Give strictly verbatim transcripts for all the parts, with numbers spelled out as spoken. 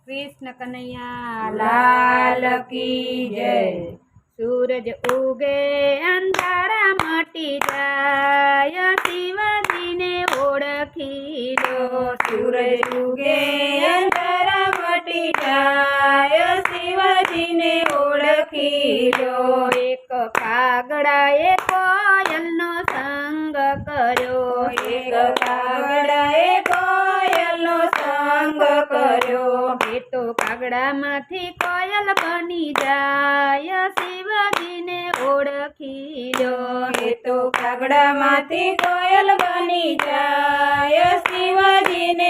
कृष्ण कन्हैया लाल की जय। सूरज उगे अंधारा मटी जाय, शिवाजी ने ओळखी लो। सूरज उगे अंधारा मटी जाय, शिवाजी ने ओळखी लो। एक कागड़ाए कोयल नो संग कर्यो, एक कागड़ाए कोयल नो संग कर्यो। ए तो कागड़ा माथी कोयल बनी जाय, शिवाजी ने ओळखी लो। ए तो कागड़ा माथी कोयल बनी जाय, शिवाजी ने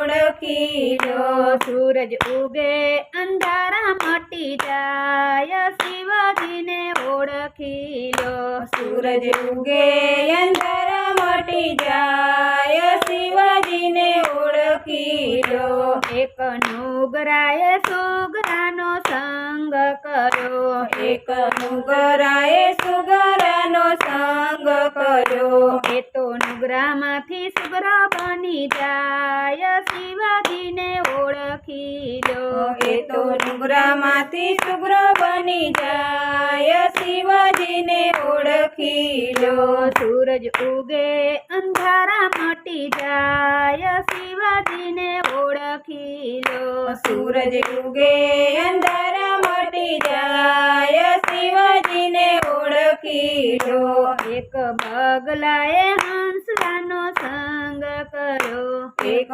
ओळखी लो। सूरज उगे अंधारा मटी जाय, शिवाजी ने ओळखी लो। सूरज उगे अंधारा मटी जाय, शिवाजी ने ओळखी लो। एक नुगराए सुगरानो संग कर्यो, एक नुगराए सुगरानो संग कर्यो। ए तो नुगरा माथी सुगरा बनी जाय, शिवाजी ने ओळखी लो। ए तो नुगरा माथी सुगरो बनी जाय, शिवाजी ने ओळखी लो। सूरज उगे अंधारा मटी जाय, शिवाजी ने ओळखी लो। सूरज उगे अंधारा मटी जाय, शिवाजी ने ओळखी लो। एक बगलाए हंसरानो संग कर्यो, एक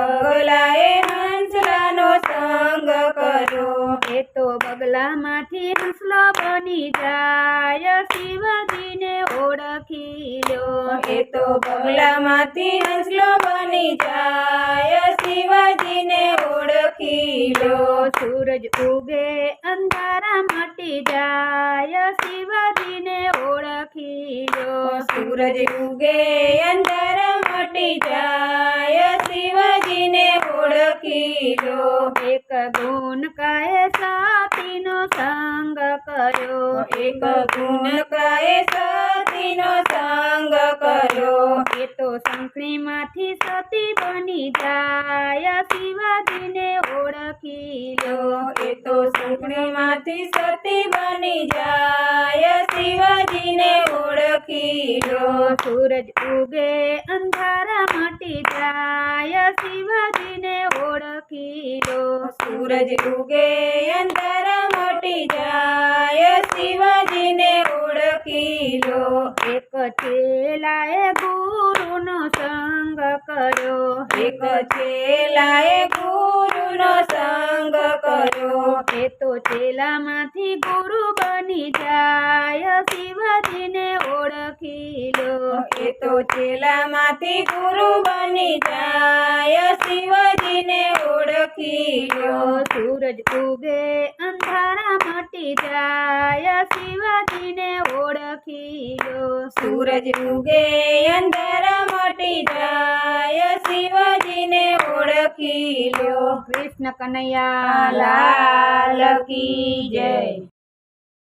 बगलाए हंसरानो संग कर्यो। ए तो बगला माथी हंसलो बनी जाय, शिवाजी ने ओळखी लो। ए तो बगला माथी हंसलो बनी जाय, शिवाजी ने ओळखी लो। सूरज उगे अंधारा मटी जाय, शिवाजी ने ओळखी लो। सूरज उगे अंधारा मटी जाय, शिवाजी ने ओळखी लो। एक गुण काय साथीनो संग कर्यो, एक गुण काय सतीनो संग कर्यो। ए तो संखणी माथी सती बनी जाय, शिवाजी ने ओळखी लो। ए तो संखणी माथी सती बनी जाय, शिवाजी ने ओळखी लो। सूरज उगे अंधारा मटी जाय, शिवाजी ने ओळखी लो। सूरज उगे अंधारा मटी जाय, शिवाजी ने ओळखी लो। एक चेलाए गुरुनो संग कर्यो, एक चेलाए गुरुनो संग कर्यो। ए तो चेला माथी गुरु बनी जाय, शिवाजी ने ओळखी लो। ए तो चेला माथी गुरु बनी जाय, शिवाजी ने ओळखी लो। सूरज उगे अंधारा मटी जाय, शिवाजी ने ओळखी लो। सूरज उगे अंधारा मटी जाय, शिवाजी ने ओळखी लो। कृष्ण कन्हैया लाल की जय।